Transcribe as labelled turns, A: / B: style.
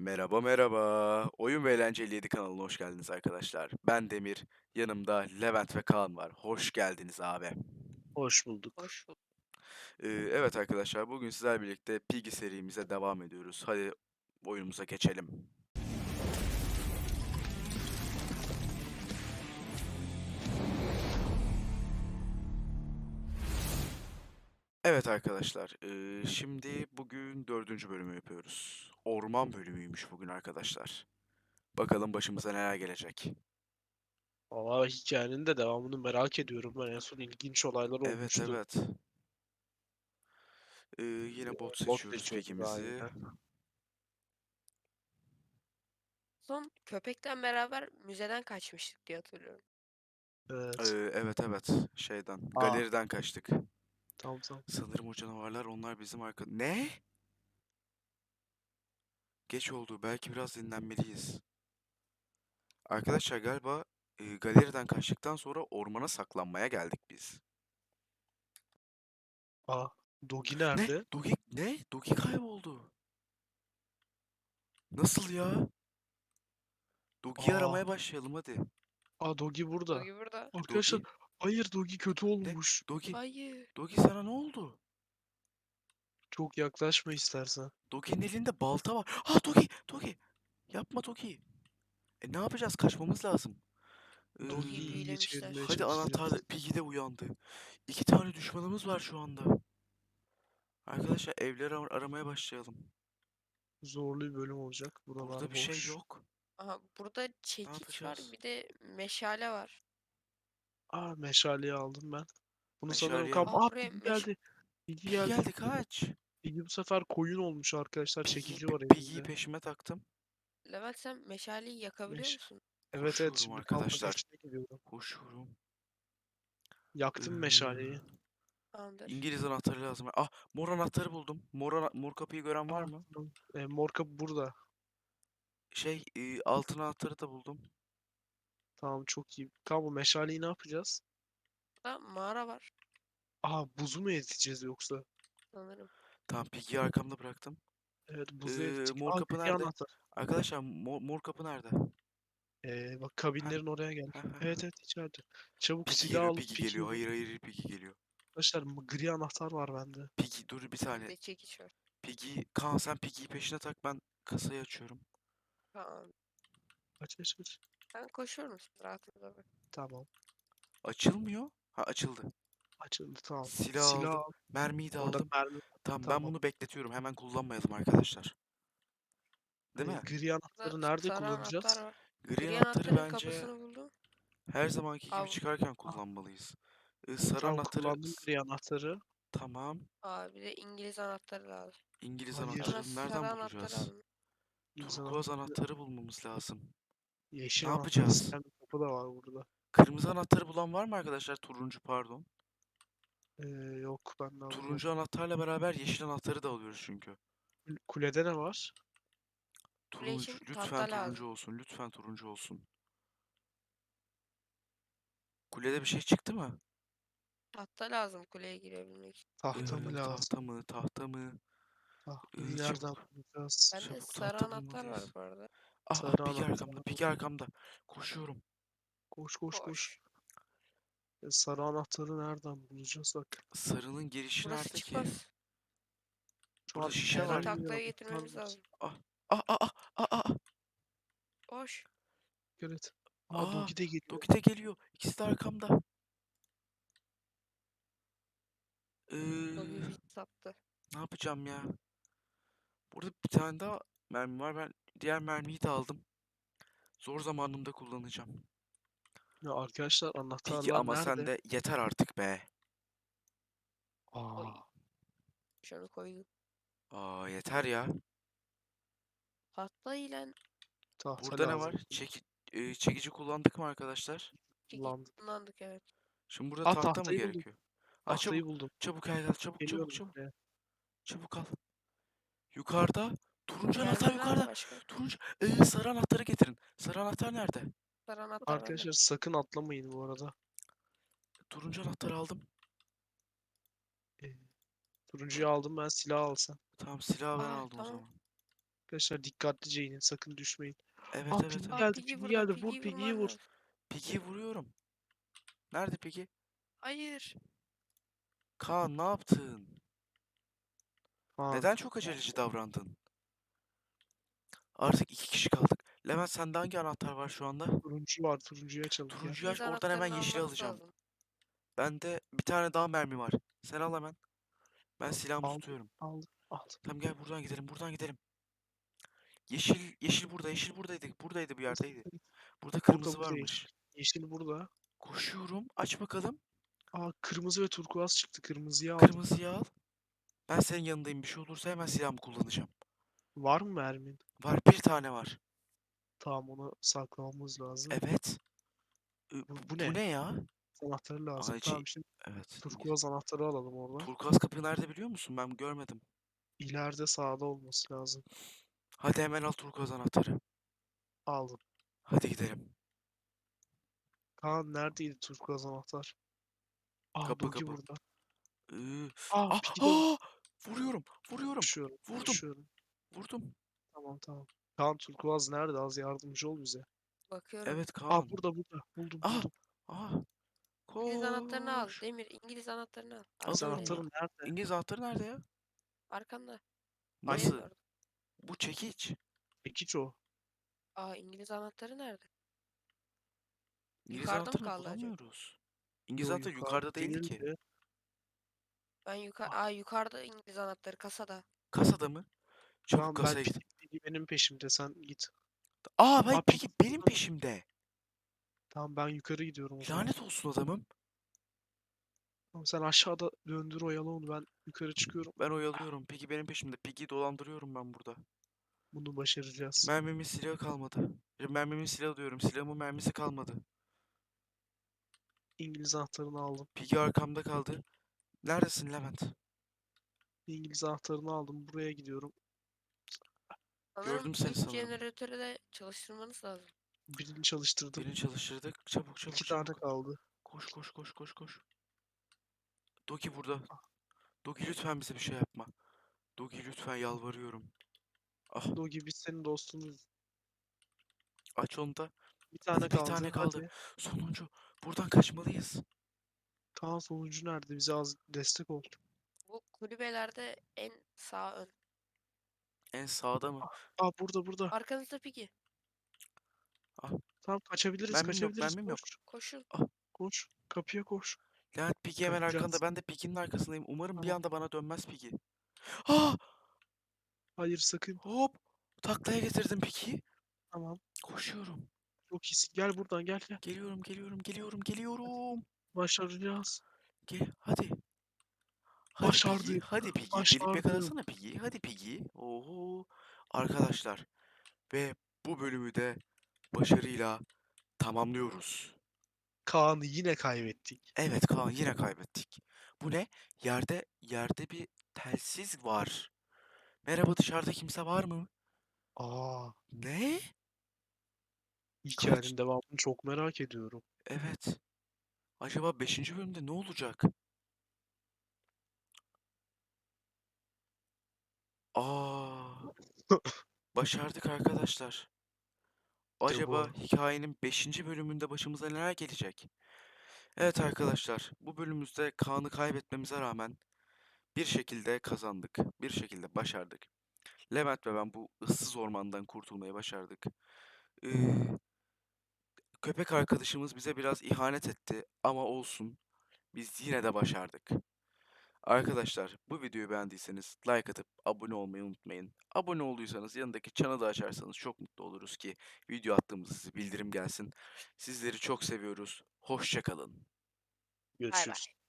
A: Merhaba merhaba. Oyun ve Eğlenceli 7 kanalına hoş geldiniz arkadaşlar. Ben Demir, yanımda Levent ve Kaan var. Hoş geldiniz abi.
B: Hoş bulduk.
C: Hoş bulduk.
A: Evet arkadaşlar, bugün sizlerle birlikte Piggy serimize devam ediyoruz. Hadi oyunumuza geçelim. Evet arkadaşlar, şimdi bugün dördüncü bölümü yapıyoruz. Orman bölümüymüş bugün arkadaşlar. Bakalım başımıza neler gelecek.
B: Valla hikayenin de devamını merak ediyorum. Ben en son ilginç olaylar
A: Evet
B: olmuştu.
A: evet. Yine bot
B: Bot
A: seçiyoruz
B: seçiyorduk
A: Piggy'mizi.
B: aynen.
C: Son köpekten beraber müzeden kaçmıştık diye hatırlıyorum.
B: Evet.
A: Evet evet, şeyden,
B: Aa,
A: galeriden kaçtık.
B: tamam tamam.
A: Sanırım o canavarlar onlar bizim arka... Ne? Geç oldu. Belki biraz dinlenmeliyiz. Arkadaşlar galiba galeriden kaçtıktan sonra ormana saklanmaya geldik biz.
B: Aa, Dogi
A: Ne?
B: nerede?
A: Dogi ne? Dogi kayboldu. Nasıl ya? Dogi'yi
B: Aa,
A: aramaya başlayalım hadi.
B: Dogi burada.
C: Dogi burada.
B: Arkadaşlar,
A: Dogi
B: hayır Dogi kötü
A: ne?
B: olmuş.
A: Dogi
C: Hayır.
A: Dogi sana ne oldu?
B: Çok yaklaşma istersen.
A: Dogi'nin elinde balta var. Ha Dogi! Dogi! Yapma Dogi. Ne yapacağız? Kaçmamız lazım. Ee,
C: Dogi'yi
B: Dogi'yi iyice çevirmeye
C: büyülemişler.
A: hadi anahtarla
B: çalışacağız.
A: Piggy de uyandı. İki tane düşmanımız var şu anda. Arkadaşlar evleri aramaya başlayalım.
B: Zorlu bir bölüm olacak.
A: Burada
B: Buralar
A: bir şey
B: boş.
A: yok.
C: Aha burada
A: Ne
C: çekiç var,
A: yapacağız?
C: bir de meşale var.
B: Meşaleyi aldım ben. Bunu sanırım
A: Meşaleyi
B: kam...
A: al.
C: Buraya
B: Piggy geldi. Piggy
A: Piggy
B: geldi.
A: geldi kaç.
C: Peki,
B: Piggy bu sefer koyun olmuş arkadaşlar. Çekici var
A: Piggy'yi
B: elinde.
A: peşime taktım.
C: Levent, sen meşaleyi yakabiliyor
B: Meş
C: musun?
B: Evet evet,
A: Koşuyorum
B: şimdi kamp
A: arkadaşlar.
B: ateşine gidiyorum.
A: Koşuyorum.
B: Yaktım
A: Ee,
B: meşaleyi.
C: Tamamdır.
A: İngiliz anahtarı lazım. Ah, mor anahtarı buldum. Mor kapıyı gören var mı?
B: Tamam. Mor kapı burada.
A: Altın anahtarı da buldum.
B: Tamam, çok iyi. Tamam, bu meşaleyi ne yapacağız?
C: Burada mağara var
B: Buzu mu eriteceğiz yoksa?
C: sanırım.
A: Tamam, Piggy'yi arkamda bıraktım.
B: Evet, buzu erittik.
A: Mor kapı
B: Gri
A: nerede?
B: anahtar.
A: Arkadaşlar mor kapı nerede?
B: Bak,
A: Heh,
B: kabinlerin oraya gel.
A: heh, heh,
B: Evet
A: heh.
B: evet, içeride. Çabuk
A: Piggy
B: silah
A: geliyor,
B: alıp
A: Piggy geliyor.
B: Piggy'yi vur.
A: Hayır hayır, Piggy geliyor.
B: Arkadaşlar, gri anahtar var bende.
A: Piggy dur bir
C: Bir
A: saniye.
C: de çekiç var.
A: Piggy, Kaan sen Piggy'yi peşine tak, ben kasayı açıyorum.
C: Tamam.
B: Aç aç aç.
C: Ben koşuyorum, siz rahatınıza bak.
B: Tamam.
A: Açılmıyor. Ha, açıldı.
B: Açıldı, tamam.
A: Silah
B: Silah
A: aldım.
B: al.
A: Mermiyi de
B: Orada
A: aldım.
B: mermi var.
A: Tamam, ben
B: Tamam.
A: bunu bekletiyorum. Hemen kullanmayalım arkadaşlar. Değil mi?
B: Gri
C: Burada
B: anahtarı nerede
C: sarı anahtar
B: kullanacağız?
C: var.
A: Gri
C: Gri
A: anahtarı
C: anahtarın
A: bence
C: kapısını buldum.
A: her zamanki gibi
C: Abi,
A: çıkarken
B: Ah,
A: kullanmalıyız. Sarı
B: tamam,
A: anahtarı
B: kullandım gri anahtarı.
A: tamam.
C: abi, bir de İngiliz anahtarı lazım.
A: İngiliz
B: Hayır.
C: Sonra
A: anahtarını
C: sarı
A: nereden
C: anahtarı
A: bulacağız?
C: aldım.
B: İngiliz
A: Turkuaz
B: anahtarı.
A: anahtarı bulmamız lazım. Ne
B: Yeşil anahtar
A: yapacağız?
B: isteyen bir kapı da var burada.
A: Kırmızı anahtarı bulan var mı arkadaşlar? Turuncu pardon.
B: Ee, Yok, ben de
A: Turuncu
B: alamadım.
A: anahtarla beraber yeşil anahtarı da alıyoruz çünkü.
B: Kulede ne var?
C: Kule
A: Turuncu,
C: için tahta
A: lütfen turuncu
C: lazım.
A: olsun. Lütfen turuncu olsun. Kulede bir şey çıktı mı?
C: Tahta lazım kuleye girebilmek için.
B: Tahta mı lazım?
A: Tahta mı? Tahta mı?
B: Tahtayı nereden
A: Çabuk.
B: bulacağız?
C: Bende
A: Çabuk
C: sarı
A: tahta
C: anahtar var
A: bulmalıyız.
C: bu arada.
A: Ah,
B: Sarı
A: Piggy
B: anahtar
A: arkamda. Piggy
B: aldım.
A: arkamda. Koşuyorum.
B: Koş koş koş.
C: Koş.
B: Sarı anahtarı nereden bulacağız bak.
A: Sarının girişi
C: Burası
A: nerede ki?
C: çıkmaz.
B: Şu
A: Burada
B: an
A: şişe var.
C: Direkt
B: herhangi bir
C: tahtaya
B: anahtar
C: getirmemiz
B: var.
C: lazım.
A: Ah, ah, ah, ah, ah, ah.
C: Koş.
B: Evet.
A: Aa,
B: Dogi de geliyor.
A: Doki de geliyor. İkisi de arkamda.
C: Dogi
A: Ee,
C: bizi sattı.
A: ne yapacağım ya? Burada bir tane daha mermi var. Ben diğer mermiyi de aldım. Zor zamanımda kullanacağım.
B: Ya arkadaşlar,
A: Peki
B: anahtarlar
A: ama sen
B: nerede?
A: de yeter artık be.
C: Oy.
B: Aa,
C: Şunu koydum.
A: Aa, yeter ya.
C: Tahta ile
B: tahta
A: Burada ne var?
B: lazım.
A: Çekici kullandık mı arkadaşlar?
C: çekiç
B: Kullandık.
C: kullandık, evet.
A: Şimdi burada tahta mı
B: Tahtayı buldum.
A: gerekiyor? Aa,
B: Tahtayı
A: çabuk.
B: buldum.
A: Çabuk gel, çabuk çabuk
B: Geliyorum
A: çabuk.
B: buraya.
A: Çabuk al. Yukarıda. Turuncu anahtar
C: Mermi var mı
A: yukarıda.
C: başka?
A: Turuncu. Sarı anahtarı getirin. Sarı anahtar nerede?
C: Sarı anahtar bende.
B: Arkadaşlar, sakın atlamayın bu arada.
A: Turuncu anahtarı aldım.
B: Ee, Turuncuyu aldım ben, silah alsam.
A: Tamam, silahı ben aldım o
C: Tamam.
A: zaman.
B: Arkadaşlar dikkatlice inin. Sakın düşmeyin.
A: Evet
B: Aa
A: evet
B: Piggy
A: evet.
C: Aa
B: geldi.
C: Piggy
B: Piggy
C: burada.
B: geldi. Vur
C: Piggy'yi
B: Piggy'yi
C: vurman
B: vur.
C: lazım.
A: Piggy'yi vuruyorum. Nerede Piggy?
C: Hayır.
A: Kaan ne yaptın?
B: Kaan.
A: Neden çok aceleci davrandın? Artık 2 kişi kaldık. Levent sende hangi anahtar var şu anda?
B: Turuncu var. Turuncuyu açalım. Gel.
A: Turuncuyu aç,
C: İngiliz
A: oradan hemen
C: anahtarını
A: yeşili
C: almanız
A: alacağım.
C: lazım.
A: Bende bir tane daha mermi var. Sen al hemen. Ben silahımı
B: Aldım.
A: tutuyorum.
B: Aldım. Aldım.
A: Tamam gel buradan gidelim, buradan gidelim. Yeşil burada, yeşil buradaydı. Buradaydı bir yerdeydi. Burada kırmızı
B: Burada yeşil.
A: varmış.
B: Yeşil burada.
A: Koşuyorum. Aç bakalım.
B: Aa kırmızı ve turkuaz çıktı. Kırmızıyı aldım.
A: Kırmızıyı al. Ben senin yanındayım. Bir şey olursa hemen silahımı kullanacağım.
B: Var mı mermin?
A: Var, bir tane var.
B: Tamam onu saklamamız lazım.
A: Evet.
B: Bu
A: Bu
B: ne?
A: ne ya?
B: Anahtarı lazım.
A: Aa,
B: Tamam şimdi
A: evet.
B: turkuaz anahtarı alalım oradan.
A: Turkuaz kapı nerede biliyor musun? Ben görmedim.
B: İleride sağda olması lazım.
A: Hadi hemen al turkuaz anahtarı.
B: Aldım.
A: Hadi gidelim.
B: Kaan neredeydi turkuaz anahtar? Aa
A: Kapı
B: Dogi
A: kapı.
B: burada.
A: Iı,
B: Aa
A: Ah,
B: Piggy de orada.
A: ah! Vuruyorum. Vuruyorum.
B: Koşuyorum.
A: Vurdum.
B: Koşuyorum.
A: Vurdum.
B: Tamam tamam. Kaan turkuaz nerede? Az yardımcı ol bize.
C: Bakıyorum.
A: Evet
B: Aa
A: Kaan.
B: burada. Buldum
A: Ah!
B: buldum.
A: Ah!
C: İngiliz anahtarını al.
A: Koş.
C: Demir İngiliz anahtarını al.
B: İngiliz
A: Alıyorum.
C: Arkandaydı.
B: anahtarı nerede?
A: İngiliz anahtarı nerede ya?
C: Arkanda.
A: Nasıl?
C: Orada.
A: Bu çekiç.
B: Çekiç o.
C: Aa İngiliz anahtarı nerede?
A: İngiliz
C: Yukarıda mı
A: anahtarını
C: kaldı acaba?
A: bulamıyoruz. İngiliz
B: Yo
A: anahtarı yukarıda değildi ki.
B: değildi.
C: Ben yukarıda İngiliz anahtarı kasada.
A: Kasada mı? Çabuk
B: Tamam ben
A: kasaya git.
B: Piggy benim peşimde sen git.
A: Aa,
B: Aa
A: peki
B: Piggy
A: benim
B: burada.
A: peşimde.
B: Tamam ben yukarı gidiyorum o zaman.
A: Lanet olsun adamım.
B: Tamam sen aşağıda döndür oyalı onu ben yukarı çıkıyorum.
A: Ben oyalıyorum. Peki benim peşimde. Peki dolandırıyorum ben burada.
B: Bunu başaracağız.
A: Mermimin silahı kalmadı. Mermimin silahı diyorum. Silahımın mermisi kalmadı.
B: İngiliz anahtarını aldım.
A: Piggy arkamda kaldı. Neredesin Levent?
B: İngiliz anahtarını aldım. Buraya gidiyorum.
C: Sanırım
A: Gördüm seni
C: ilk
A: sanırım.
C: jeneratörü de çalıştırmanız lazım.
B: Birini çalıştırdım.
A: Birini çalıştırdık. Çabuk çabuk
B: 2 tane
A: çabuk.
B: kaldı.
A: Koş koş koş koş koş. Dogi burada.
B: Ah,
A: Dogi lütfen bize bir şey yapma. Dogi lütfen yalvarıyorum. Ah,
B: Dogi biz senin dostunuz.
A: aç onu da.
B: Bir tane
A: Hadi bir
B: kaldı.
A: tane kaldı.
B: Hadi.
A: Sonuncu. Buradan kaçmalıyız.
B: Kaan sonucu nerede? Bize az destek ol.
C: Bu kulübelerde en sağ ön.
A: En sağda mı?
B: Aa burada.
C: Arkanızda Piggy.
A: Ah,
B: Tamam kaçabiliriz.
A: mermim yok,
B: Kaçabiliriz.
A: mermim yok.
B: Koş.
C: Koşun.
A: Ah,
B: Koş. Kapıya koş.
A: Levent Piggy hemen
B: Kaçacağız.
A: arkanda. Ben de Piggy'nin arkasındayım. Umarım bir
B: Tamam.
A: anda bana dönmez Piggy. Ah!
B: Hayır sakın.
A: Hop! Taklaya getirdim Piggy'yi.
B: Tamam.
A: Koşuyorum.
B: Çok iyisin. Gel buradan gel.
A: Geliyorum.
B: Başaracağız.
A: Gel, hadi. Hadi Piggy,
B: Başardık.
A: hadi Piggy. Gelip
B: Başardım.
A: yakalasana Piggy. Hadi Piggy. Oho. Arkadaşlar ve bu bölümü de başarıyla tamamlıyoruz.
B: Kaan'ı yine kaybettik.
A: Evet Kaan, yine kaybettik. Bu ne? Yerde bir telsiz var. Merhaba, dışarıda kimse var mı?
B: Aa,
A: Ne?
B: hikayenin devamını çok merak ediyorum.
A: Evet. Acaba 5. bölümde ne olacak? Aa, başardık arkadaşlar. Acaba
B: bu.
A: hikayenin 5. bölümünde başımıza neler gelecek? Evet arkadaşlar, bu bölümümüzde Kaan'ı kaybetmemize rağmen bir şekilde kazandık. Bir şekilde başardık. Levent ve ben bu ıssız ormandan kurtulmayı başardık. Ee, Köpek arkadaşımız bize biraz ihanet etti ama olsun. Biz yine de başardık. Arkadaşlar, bu videoyu beğendiyseniz like atıp abone olmayı unutmayın. Abone olduysanız yanındaki çanı da açarsanız çok mutlu oluruz ki video attığımızda size bildirim gelsin. Sizleri çok seviyoruz. Hoşça kalın.
C: Bay bay.
B: Görüşürüz.